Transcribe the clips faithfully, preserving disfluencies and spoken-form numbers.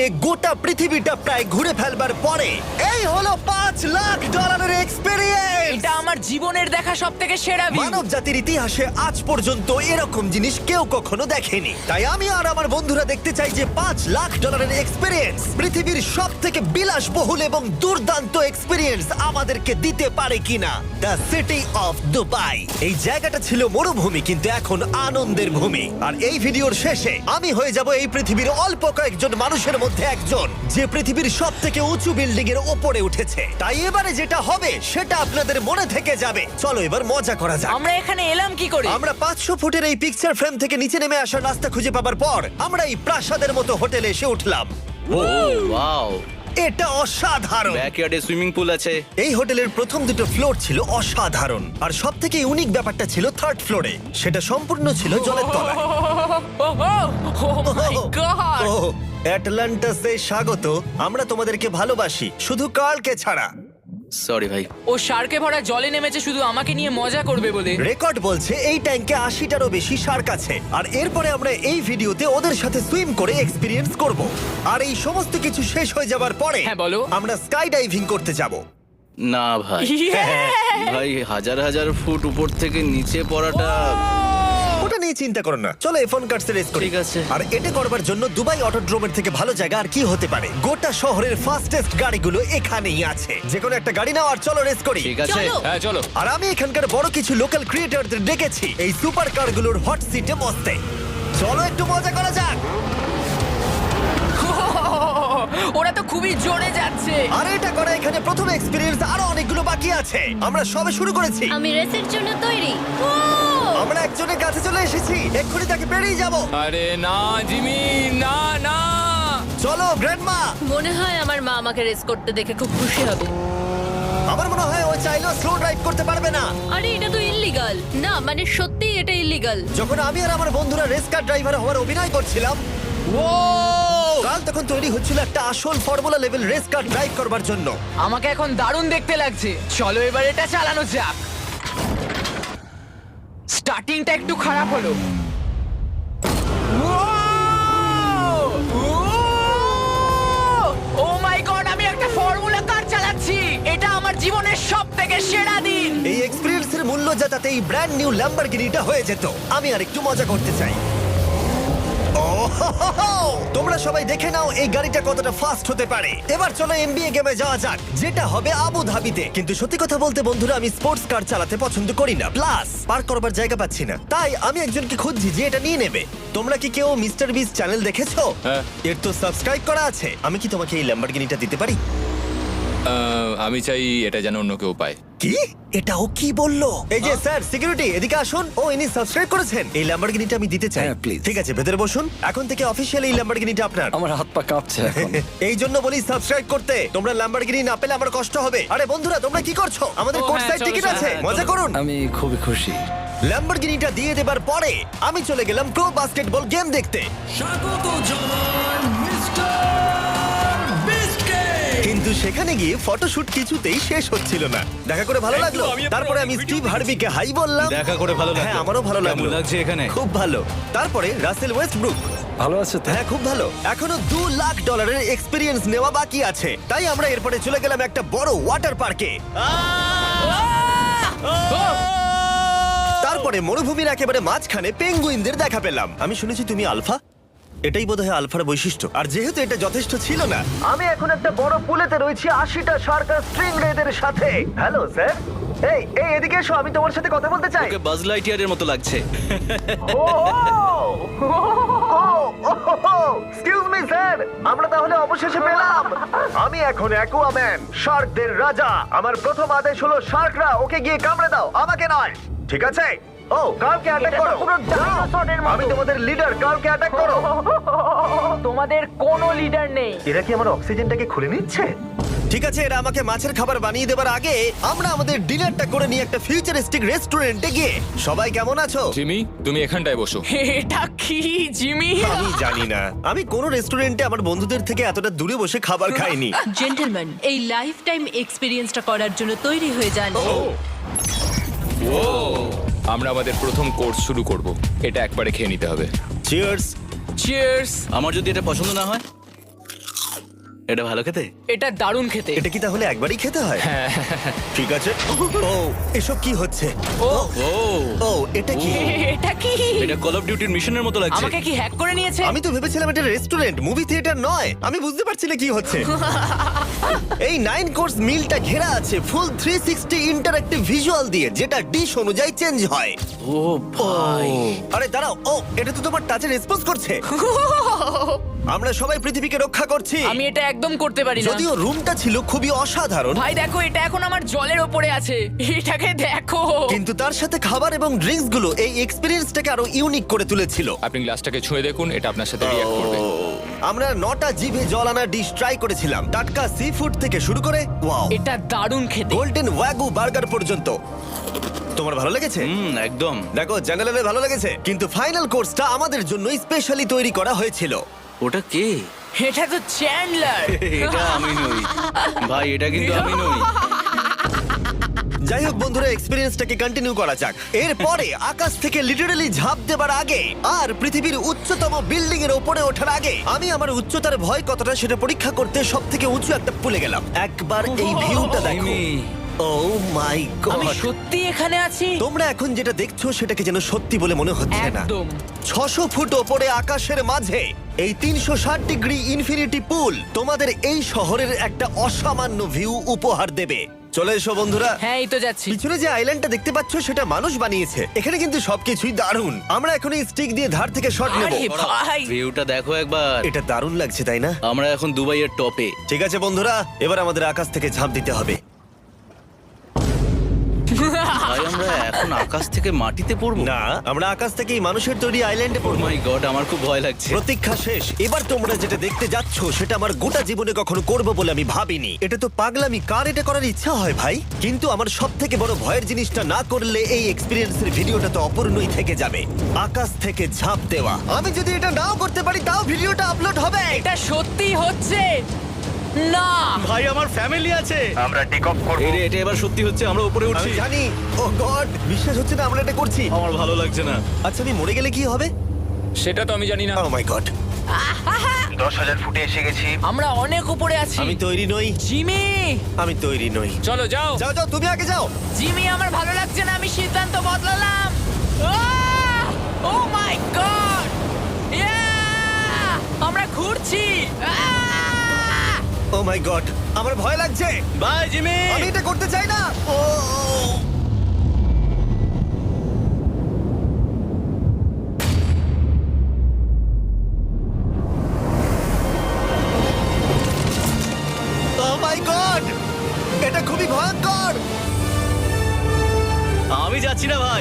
গোটা পৃথিবীটা প্রায় ঘুরে ফেলবার পরে এই হলো পাঁচ লাখ ডলারের এক্সপেরিয়েন্স। এটা আমার জীবনের দেখা সব থেকে সেরা ভিউ। মানব জাতির ইতিহাসে আজ পর্যন্ত এরকম জিনিস কেউ কখনো দেখেনি। তাই আমি আর আমার বন্ধুরা দেখতে চাই যে পাঁচ লাখ ডলারের এক্সপেরিয়েন্স পৃথিবীর সব থেকে বিলাসবহুল এবং দুর্দান্ত এক্সপেরিয়েন্স আমাদেরকে দিতে পারে কিনা। The city of Dubai. এই জায়গাটা ছিল মরুভূমি, কিন্তু এখন আনন্দের ভূমি। আর এই ভিডিওর শেষে আমি হয়ে যাব এই পৃথিবীর অল্প কয়েকজন মানুষের মধ্যে একজন, যে পৃথিবীর সব থেকে উঁচু বিল্ডিং এর ওপরে উঠেছে। তাই এবারে যেটা হবে সেটা আপনাদের মনে থেকে যাবে। চলো এবার মজা করা যাক। আমরা এখানে এলাম কি করে? আমরা পাঁচশো ফুটের এই পিকচার ফ্রেম থেকে নিচে নেমে আসার রাস্তা খুঁজে পাবার পর আমরা এই প্রাসাদের মতো হোটেলে এসে উঠলাম। ও ওয়াও, এটা অসাধারণ। ব্যাকইয়ার্ডে সুইমিং পুল আছে। এই হোটেলের প্রথম দুটো ফ্লোর ছিল অসাধারণ, আর সব থেকে ইউনিক ব্যাপারটা ছিল থার্ড ফ্লোরে। সেটা সম্পূর্ণ ছিল জলের তলায়। ও মাই গড! ও অ্যাটলান্টাসে স্বাগত। আমরা তোমাদেরকে ভালোবাসি, শুধু কার্লকে ছাড়া। সরি ভাই। ও শার্কে ভরা জলে নেমেছে শুধু আমাকে নিয়ে মজা করবে বলে। রেকর্ড বলছে এই ট্যাঙ্কে আশিটারও বেশি শার্ক আছে। আর এরপরে আমরা এই ভিডিওতে ওদের সাথে সুইম করে এক্সপিরিয়েন্স করব। আর এই সমস্ত কিছু শেষ হয়ে যাবার পরে হ্যাঁ, বলো। আমরা স্কাই ডাইভিং করতে যাব। না ভাই, Yeah! ভাই হাজার হাজার ফুট উপর থেকে নিচে পড়াটা। ওটা নিয়ে চিন্তা করো না, চলো ফোন কার্ডস রেস করি। ঠিক আছে। আর এটা করবার জন্য দুবাই অটোড্রোমের থেকে ভালো জায়গা আর কি হতে পারে। গোটা শহরের ফাস্টেস্ট গাড়িগুলো এখানেই আছে। যে কোনো একটা গাড়ি নাও আর চলো রেস করি। ঠিক আছে। হ্যাঁ চলো। আর আমি এখানকার বড় কিছু লোকাল ক্রিয়েটরদের ডেকেছি এই সুপার কারগুলোর হট সিটে বসতে। চলো একটু মজা করা যাক। ওরা তো খুবই জোরে যাচ্ছে। আর এটা করা এখানে প্রথম এক্সপেরিয়েন্স, আরো অনেকগুলো বাকি আছে। আমরা সবে শুরু করেছি। আমি রেসের জন্য তৈরি। ও! আমরা একজনের কাছে চলে এসেছি, এক্ষুনি তাকে পেরিয়ে যাব। আরে না জিমি, না না। চলো গ্র্যান্ডমা। মনে হয় আমার মা আমাকে রেস করতে দেখে খুব খুশি হবে। আমার মনে হয় ও চাইলেও স্লো ড্রাইভ করতে পারবে না। আরে এটা তো ইল্লিগাল। না মানে সত্যিই এটা ইল্লিগাল। যখন আমি আর আমার বন্ধুরা রেস কার ড্রাইভার হওয়ার অভিনয় করছিলাম, ও কাল তখন তৈরি হচ্ছিল একটা আসল formula level race car drive করবার জন্য। আমাকে এখন দারুণ দেখতে লাগছে। চলো এবার এটা চালানো যাক। স্টার্টিংটা একটু খারাপ হলো। ও মাই গড, আমি একটা ফর্মুলা কার চালাচ্ছি। এটা আমার জীবনের সবথেকে সেরা দিন। এই এক্সপেরিয়েন্সের মূল্য যা, তাতে এই ব্র্যান্ড নিউ ল্যাম্বরগিনিটা হয়ে যেত। আমি আর একটু মজা করতে চাই। ওহোহোহো! তোমরা সবাই দেখে নাও এই গাড়িটা কতটা ফাস্ট হতে পারে। এবার চলো এনবিএ গেমে যাওয়া যাক, যেটা হবে আবু ধাবিতে। কিন্তু সত্যি কথা বলতে বন্ধুরা, আমি স্পোর্টস কার চালাতে পছন্দ করি না, প্লাস পার্ক করবার জায়গা পাচ্ছি না। তাই আমি একজনকে খুঁজছি যে এটা নিয়ে নেবে। তোমরা কি কেউ মিস্টার বিস চ্যানেল দেখেছো? হ্যাঁ। এর তো সাবস্ক্রাইব করা আছে। আমি কি তোমাকে এই ল্যাম্বরগিনিটা দিতে পারি? আহ, আমি চাই এটা যেন অন্য কেউ পায়। কি? এটা ও কি বললো? এই যে স্যার, সিকিউরিটি এদিকে আসুন। ও ইনি সাবস্ক্রাইব করেছেন। এই ল্যাম্বরগিনিটা আমি দিতে চাই। হ্যাঁ, please. ঠিক আছে, ভেতরে বসুন। এখন থেকে অফিশিয়ালি এই ল্যাম্বরগিনিটা আপনার। আমার হাত পা কাঁপছে এখন। এই জন্য বলি সাবস্ক্রাইব করতে। তোমরা ল্যাম্বরগিনি না পেলে আমার কষ্ট হবে। আরে বন্ধুরা, তোমরা কি করছো? আমাদের ও, কোর্স হ্যাঁ, সাইড চলো, টিকিট চলো, আছে, হ্যাঁ, মজা চলো। করুন। আমি খুবই খুশি। ল্যাম্বরগিনিটা দিয়ে দেবার পরে আমি চলে গেলাম প্রো বাস্কেটবল গেম দেখতে। কিন্তু সেখানে গিয়ে ফটোশুট কিছুতেই শেষ হচ্ছিল না। দেখা করে ভালো লাগলো। তারপরে আমি স্টিভ হার্বিকে হাই বললাম। দেখা করে ভালো লাগলো। হ্যাঁ, আমারও ভালো কেমন লাগলো। লাগছে এখানে? খুব ভালো। তারপরে রাসেল ওয়েস্টব্রুক। ভালো আছে তো? হ্যাঁ, খুব ভালো। এখনো দু লাখ ডলারের এক্সপিরিয়েন্স নেওয়া বাকি আছে। তাই আমরা এরপরে চলে গেলাম একটা বড় ওয়াটার পার্কে। তারপরে মরুভূমির একেবারে মাঝখানে পেঙ্গুইনদের দেখা পেলাম। আমি শুনেছি তুমি আলফা। এটাই বোধহয় আলফার বৈশিষ্ট্য। আর যেহেতু এটা যথেষ্ট ছিল না, আমি এখন একটা বড় পুলেতে রয়েছি আশিটা শার্ক আর স্ট্রিং রেদের সাথে। Hello sir. এই এই এদিকে এসো, আমি তোমার সাথে কথা বলতে চাই। ওকে বাজ লাইটইয়ারের মতো লাগছে। এক্সকিউজ মি স্যার, আমরা তাহলে অবশেষে পেলাম। আমি এখন অ্যাকুয়াম্যান, শার্কদের রাজা। আমার প্রথম আদেশ হলো শার্করা ওকে গিয়ে কামড়ে দাও, আমাকে নয়। ঠিক আছে? ও, কার্লকে অ্যাটাক করো। আমি তোমাদের লিডার, কার্লকে অ্যাটাক করো। তোমাদের কোনো লিডার নেই। এরা কি আমার অক্সিজেনটাকে খুলে নিচ্ছে? ঠিক আছে, এরা আমাকে মাছের খাবার বানিয়ে দেবার আগে আমরা আমাদের ডিনারটা করে নিয়ে একটা ফিউচারিস্টিক রেস্টুরেন্টে গিয়ে। সবাই কেমন আছো? জিমি, তুমি এখানটায় বসো। এটা কি জিমি? আমি জানি না, আমি কোন রেস্টুরেন্টে আমার বন্ধুদের থেকে এতটা দূরে বসে খাবার খাইনি। জেন্টলম্যান, এই লাইফ টাইম এক্সপিরিয়েন্সটা করার জন্য তৈরি হয়ে যান। ও, আমরা আমাদের প্রথম কোর্স শুরু করব। এটা একবারে খেয়ে নিতে হবে। চিয়ার্স। চিয়ার্স। আমার যদি এটা পছন্দ না হয়? এটা ভালো খেতে? এটা দারুণ খেতে। এটা কি তাহলে একবারই খেতে হয়? ঠিক আছে। ও এসব কি হচ্ছে? ও ও ও এটা কি? এটা কি? এটা কল অফ ডিউটির মিশনের মতো লাগছে। আমাকে কি হ্যাক করে নিয়েছে? আমি তো ভেবেছিলাম এটা রেস্টুরেন্ট, মুভি থিয়েটার নয়। আমি বুঝতে পারছি না কি হচ্ছে। এই নাইন কোর্স মিলটা ঘেরা আছে full three sixty interactive visual দিয়ে, যেটা ডিশ অনুযায়ী চেঞ্জ হয়। ও ভাই, আরে দাঁড়াও, ও এটা তো তোমার টাচে রেসপন্স করছে। আমরা সবাই পৃথিবীকে রক্ষা করছি। আমি এটা একদম করতে পারি না। যদিও রুমটা ছিল খুবই অসাধারণ, ভাই দেখো, এটা এখন আমার জলের ওপরে আছে। এটাকে দেখো। কিন্তু তার সাথে খাবার এবং ড্রিঙ্কস গুলো এই এক্সপেরিয়েন্সটাকে আরো ইউনিক করে তুলেছিল। আপনি গ্লাসটাকে ছুঁয়ে দেখুন, এটা আপনার সাথে রিঅ্যাক্ট করবে। আমরা নটা জিভে জল আনা ডিশ ট্রাই করেছিলাম, টাটকা সি ফুড থেকে শুরু করে ওয়াও এটা দারুণ খেতে। গোল্ডেন ওয়াগু বার্গার পর্যন্ত। তোমার ভালো লেগেছে? হুম একদম। দেখো জেনারেলের ভালো লেগেছে, কিন্তু ফাইনাল কোর্সটা আমাদের জন্য স্পেশালি তৈরি করা হয়েছিল। ওটা কে? এটা তো চ্যান্ডলার। এটা আমি নই ভাই, এটা কিন্তু আমি নই। যাই হোক বন্ধুরা, এক্সপেরিয়েন্সটাকে কন্টিনিউ করা যাক। এরপরে আকাশ থেকে লিটারালি ঝাঁপ দেবার আগে আর পৃথিবীর উচ্চতম বিল্ডিং এর উপরে ওঠার আগে আমি আমার উচ্চতার ভয় কতটা সেটা পরীক্ষা করতে সব থেকে উঁচু একটা পুলে গেলাম। একবার এই ভিউটা দেখো। জিমি, ও মাই আমি গড! সত্যি এখানে আছি। তোমরা এখন যেটা দেখছো সেটাকে যেন সত্যি বলে মনে হচ্ছে না। একদম। ছশো ফুট ওপরে আকাশের মাঝে এই তিনশো ষাট ডিগ্রি ইনফিনিটি পুল তোমাদের এই শহরের একটা অসামান্য ভিউ উপহার দেবে। চলে এসো বন্ধুরা। হ্যাঁ, এই তো যাচ্ছি। পিছনে যে আইল্যান্ডটা দেখতে পাচ্ছ সেটা মানুষ বানিয়েছে। এখানে কিন্তু সবকিছুই দারুণ। আমরা এখন এই স্টিক দিয়ে ধার থেকে শট নেব। আরে ভাই, ভিউটা দেখো একবার। এটা দারুণ লাগছে তাই না? আমরা এখন দুবাইয়ের টপে। ঠিক আছে বন্ধুরা, এবার আমাদের আকাশ থেকে ঝাঁপ দিতে হবে। ভাই আমরা এখন আকাশ থেকে মাটিতে পড়বো? না, আমরা আকাশ থেকে এই মানুষের তৈরি আইল্যান্ডে ও পড়বো। মাই গড, আমার খুব ভয় লাগছে। প্রতীক্ষা শেষ। এবার তোমরা যেটা দেখতে যাচ্ছ সেটা আমার গোটা জীবনে কখনো করবো বলে আমি ভাবিনি। এটা তো পাগলামি, কার এটা করার ইচ্ছা হয় ভাই? কিন্তু আমার সব থেকে বড় ভয়ের জিনিসটা না করলে এই এক্সপিরিয়েন্সের ভিডিওটা তো অপূর্ণই থেকে যাবে। আকাশ থেকে ঝাঁপ দেওয়া। আমি যদি এটা নাও করতে পারি তাও ভিডিওটা আপলোড হবে। এটা সত্যি হচ্ছে না। ভাই আমার ফ্যামিলি আছে। আমরা টেক অফ করব। এই রে, এটা এবার সত্যি হচ্ছে, আমরা উপরে আমি উঠছি। জানি। ও গড, বিশ্বাস হচ্ছে না আমরা এটা করছি। আমার ভালো লাগছে না। আচ্ছা, আমি মরে গেলে কি হবে? সেটা তো আমি জানি না। ও মাই গড, দশ হাজার ফুটে এসে গেছি। আমরা অনেক উপরে আছি। আমি তৈরি নই। জিমি, আমি তৈরি নই। চলো যাও। যাও যাও, তুমি আগে যাও। জিমি, আমার ভালো লাগছে না। আমি সিদ্ধান্ত বদলালাম। ও মাই গড, আমরা ঘুরছি। আহ! ও মাই গড, আমার ভয় লাগছে। Bye Jimmy. আমি এটা করতে চাই না। ও মাই গড, এটা খুবই ভয়ঙ্কর। আমি যাচ্ছি না ভাই।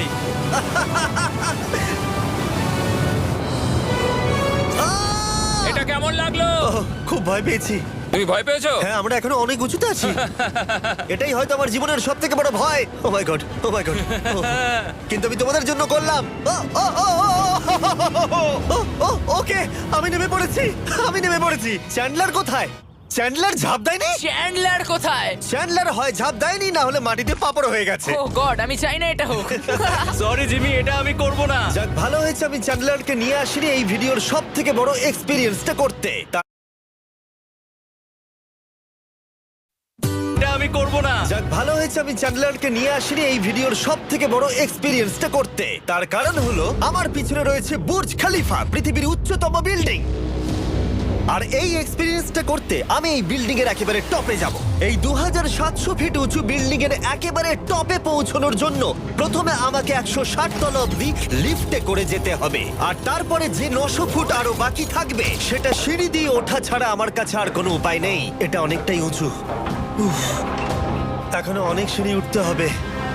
আহ! এটা কেমন লাগলো? ওহ, খুব ভয় পেয়েছি। তুমি ভয় পেয়েছো? হ্যাঁ, আমরা এখনো অনেক উঁচুতে আছি। এটাই হয়তো আমার জীবনের সব থেকে বড় ভয়। Oh my God, oh my God. কিন্তু আমি তোমাদের জন্য করলাম। ও, ও, ও, ও, ও, ও, ও, ওকে, আমি নেমে পড়েছি। আমি নেমে পড়েছি। চ্যান্ডলার কোথায়? চ্যান্ডলার ঝাঁপ দেয়নি? চ্যান্ডলার কোথায়? চ্যান্ডলার হয় ঝাঁপ দেয়নি, না হলে মাটিতে পাপড় হয়ে গেছে। ও গড, আমি চাই না এটা হোক। সরি জিমি, এটা আমি করব না। যাক, ভালো হয়েছে আমি চ্যান্ডলারকে নিয়ে আসিনি এই ভিডিওর সব থেকে বড় এক্সপিরিয়েন্সটা করতে। তা- এটা আমি করব না। যাক, ভালো হয়েছে আমি চ্যান্ডলারকে নিয়ে আসিনি এই ভিডিওর সব থেকে বড় এক্সপিরিয়েন্সটা করতে। তার কারণ হলো আমার পিছনে রয়েছে বুর্জ খলিফা, পৃথিবীর উচ্চতম বিল্ডিং। আর এই এক্সপিরিয়েন্সটা করতে আমি এই বিল্ডিং এর একেবারে টপে যাব। এই দু হাজার সাতশো ফিট উঁচু বিল্ডিং এর একেবারে টপে পৌঁছানোর জন্য প্রথমে আমাকে একশো ষাট তলা অব্দি লিফটে করে যেতে হবে, আর তারপরে যে নশো ফুট আরো বাকি থাকবে সেটা সিঁড়ি দিয়ে ওঠা ছাড়া আমার কাছে আর কোনো উপায় নেই। এটা অনেকটাই উঁচু। উফ, এখনো অনেক সিঁড়ি উঠতে হবে।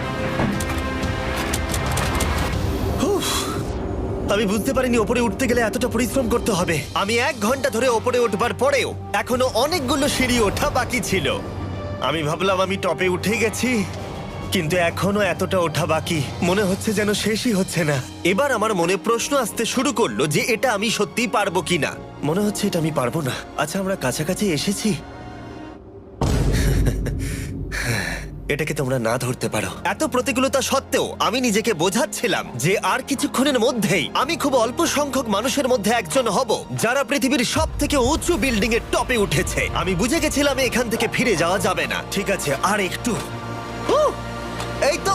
উফ, আমি বুঝতে পারিনি ওপরে উঠতে গেলে এতটা পরিশ্রম করতে হবে। আমি এক ঘন্টা ধরে ওপরে উঠবার পরেও এখনো অনেকগুলো সিঁড়ি ওঠা বাকি ছিল। আমি ভাবলাম আমি টপে উঠে গেছি, কিন্তু এখনো এতটা ওঠা বাকি। মনে হচ্ছে যেন শেষই হচ্ছে না। এবার আমার মনে প্রশ্ন আসতে শুরু করলো যে এটা আমি সত্যিই পারবো কিনা। মনে হচ্ছে এটা আমি পারবো না। আচ্ছা, আমরা কাছাকাছি এসেছি। এটাকে তোমরা না ধরতে পারো। এত প্রতিকূলতা সত্ত্বেও আমি নিজেকে বোঝাচ্ছিলাম যে আর কিছুক্ষণের মধ্যেই আমি খুব অল্প সংখ্যক মানুষের মধ্যে একজন হব যারা পৃথিবীর সব থেকে উঁচু বিল্ডিং এর টপে উঠেছে। আমি বুঝে গেছিলাম এখান থেকে ফিরে যাওয়া যাবে না। ঠিক আছে, আর একটু। উহ, এই তো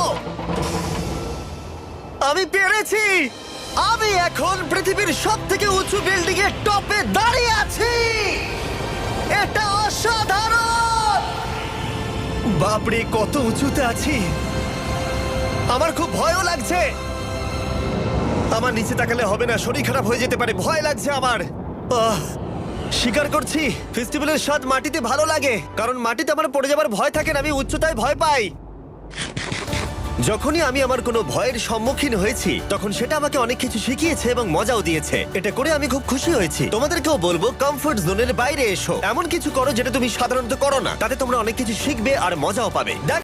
আমি পেরেছি। আমি এখন পৃথিবীর সব থেকে উঁচু বিল্ডিং এর টপে দাঁড়িয়ে আছি। এটা অসাধারণ। বাপরে, কত উঁচুতে আছি। আমার খুব ভয়ও লাগছে। আমার নিচে তাকালে হবে না, শরীর খারাপ হয়ে যেতে পারে। ভয় লাগছে আমার। আহ, স্বীকার করছি, ফেস্টিভ্যালের স্বাদ মাটিতে ভালো লাগে, কারণ মাটিতে আমার পড়ে যাবার ভয় থাকে না। আমি উচ্চতায় ভয় পাই। যখনই আমি আমার কোনো ভয়ের সম্মুখীন হয়েছি তখন সেটা আমাকে অনেক কিছু শিখিয়েছে এবং মজাও দিয়েছে। এটা করে আমি খুব খুশি হয়েছি। তোমাদেরকেও বলবো, কমফোর্ট জোনের বাইরে এসো, এমন কিছু করো যেটা তুমি সাধারণত করো না। তাতে তোমরা অনেক কিছু শিখবে আর মজাও পাবে।